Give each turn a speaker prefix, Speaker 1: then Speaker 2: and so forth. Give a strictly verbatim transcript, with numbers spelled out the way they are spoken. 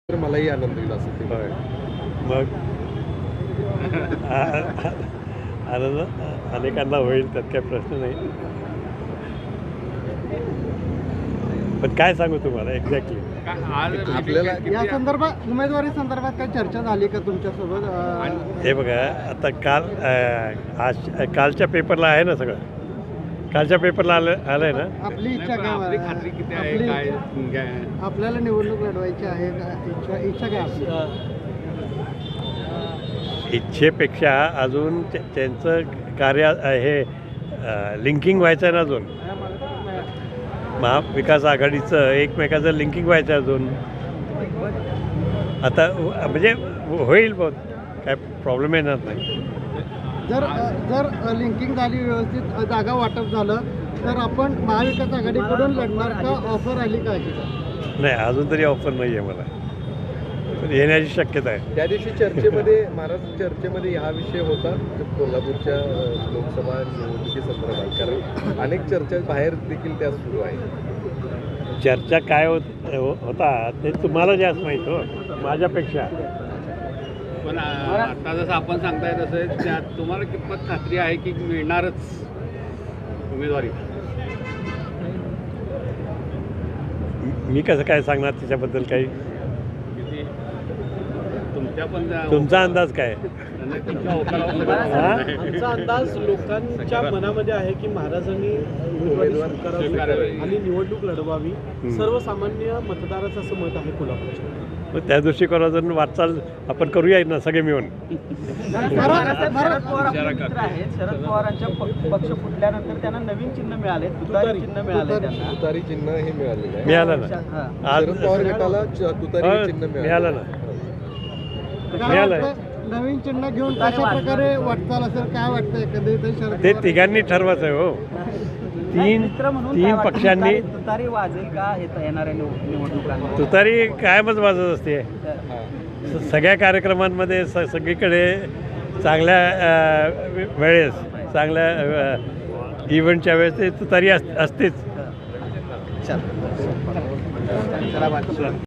Speaker 1: तर मलाही आनंद होईल असं ते.
Speaker 2: होय. मग आनंद अनेकांना होईल, त्यात काही प्रश्न नाही. पण काय सांगू तुम्हाला एक्झॅक्टली
Speaker 1: आपल्याला
Speaker 3: या संदर्भात उमेदवारी संदर्भात काही चर्चा झाली का तुमच्यासोबत? अ,
Speaker 2: हे बघा, आता काल अ, आज कालच्या पेपरला आहे ना सगळं, कालच्या पेपरला आलं आलं आहे ना.
Speaker 3: आपली इच्छा काय?
Speaker 4: आपली खात्री किती आहे,
Speaker 3: आपली-
Speaker 4: काय काय?
Speaker 3: आपल्याला निवडणूक लढवायची आहे का? इच्छा इच्छा काय आपली?
Speaker 2: इच्छेपेक्षा अजून ते- त्यांचं कार्य अ, हे लिंकिंग व्हायचं आहे ना अजून. महाविकास आघाडीचं एकमेकाचं लिंकिंग व्हायचं आहे अजून. आता व- म्हणजे होईल बहुत, काय प्रॉब्लेम येणार नाही.
Speaker 3: जर अ, जर लिंकिंग झाली, व्यवस्थित अ, जागा वाटप झालं तर आपण महाविकास आघाडीकडून लढणार का? ऑफर आली का अशी?
Speaker 2: नाही, अजून तरी ऑफर नाही आहे मला, पण येण्याची शक्यता आहे.
Speaker 1: त्या दिवशी चर्चेमध्ये महाराष्ट्र चर्चेमध्ये हा विषय होता कोल्हापूरच्या अ, लोकसभा निवडणुकीसंदर्भात, कारण अनेक चर्चा बाहेर देखील त्या सुरू आहेत.
Speaker 2: चर्चा काय होत हो- होता ते तुम्हाला जास्त माहीत हो माझ्यापेक्षा.
Speaker 4: पण आ, आता जसं आपण सांगताय तसं त्या तुम्हाला कितपत खात्री आहे की मिळणारच उमेदवारी?
Speaker 2: मी कसं काय सांगणार त्याच्याबद्दल काही?
Speaker 4: किती तुमच्या पण त्या-
Speaker 2: तुमचा अंदाज काय?
Speaker 4: नाही, तुमच्या होकारावर
Speaker 2: हा?
Speaker 5: आमचा अंदाज लोकांच्या मनामध्ये आहे की महाराजांनी उमेदवारी स्वीकारावी
Speaker 4: स्वीकारावी.
Speaker 5: आणि निवडणूक लढवावी.
Speaker 2: हम्म.
Speaker 5: सर्वसामान्य मतदाराचं असं मत आहे कोल्हापूरच्या.
Speaker 2: मग त्या दृष्टिकोनातून वाटचाल आपण करूया ना सगळे मिळून.
Speaker 3: भारत- भारत-
Speaker 4: विचारा का?
Speaker 6: शरद पवारांच्या प- पक्ष फुटल्यानंतर त्यांना नवीन चिन्ह मिळाले, तुतारी चिन्ह मिळाले त्यांना.
Speaker 1: तुतारी चिन्ह हे मिळालेलं आहे.
Speaker 2: मिळालं ना
Speaker 6: हा.
Speaker 2: आज.
Speaker 1: शरद पवार गटाला च- तुतारी
Speaker 2: हो,
Speaker 1: हे चिन्ह
Speaker 2: मिळालं ना.
Speaker 3: काय
Speaker 2: मिळालंय.
Speaker 3: वाटतं? नवीन चिन्ह घेऊन कशा प्रकारे वाटचाल असेल, काय वाटतं एकंदरीत शरद
Speaker 2: ते
Speaker 3: पवार-
Speaker 2: तिघांनी ठरवायचं आहे हो.
Speaker 6: नाही,
Speaker 2: तीन
Speaker 6: मित्र म्हणून
Speaker 2: तीन
Speaker 6: काय वाटतं?
Speaker 2: पक्षांनी
Speaker 6: तुतारी- तुतारी वाजेल का येत- येणाऱ्या निव- निवडणुकांमध्ये?
Speaker 2: तुतारी कायमच वाजत असते.
Speaker 6: तर
Speaker 2: स- सगळ्या कार्यक्रमांमध्ये स सगळीकडे चांगल्या अ, वे- वेळेस चांगल्या इव्हेंटच्या वेळेस ते तुतारी अस असतेच.
Speaker 6: चला. चला बाकी.